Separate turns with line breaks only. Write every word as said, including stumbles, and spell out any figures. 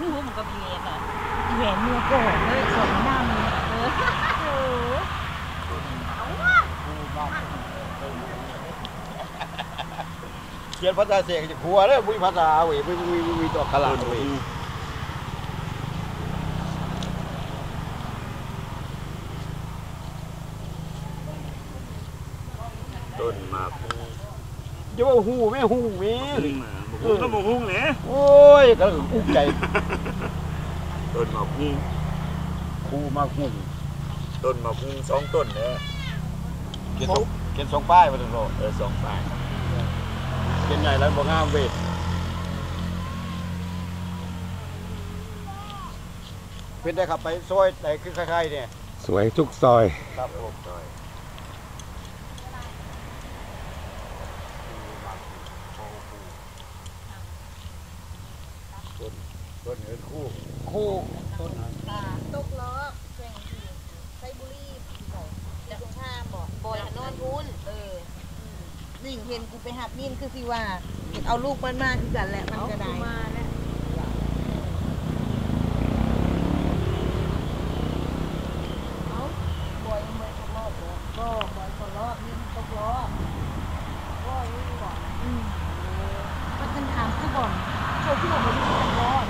หูมันก็มีเงี้ยค่ะแหวนเนื้อโก่เลยสวยหน้ามือเออโอ้
เขียนภาษาเสียงจะขัวเลยวิภาษาเว้ยวิวิวิวิตัวขลาดเว้ย
ต้นหมาก
จะว่าหูไม่หูมี
หูก็มองหุ้งเนี่ย
โอ้ยก็อุ้มใจ
ต้นหมากหุ้ง
คูมาหู
ต้นหมากหุ้งสองต้นเนี่ย
เขียนสองเขียนสองป้ายมาตลอด
เออสองฝ่าย
เขียนใหญ่แล้วบ่งามเว้ยเป็นได้ขับไปซอยไหนคือคล้ายๆเนี่ย
สวยทุกซอย
ครับผม ต้นต้นเงินคู่คู่ต้นนั้น
ตกล้อแข่งที่ไซบุรีบอกจะตรงข้ามบอกบอยนอนทุนเออนี่เห็นกูไปหับมินคือสิว่าเอาลูกมันมาคือกันแหละมันก็ได้มาแล้วเอาบอยมันตกรอบเลยก็บอยตกรอบนี่ตกรอบก็นี่บอกอืมมันกันถามคือบ่อนเขาที่บอกว่าที่ตกรอบ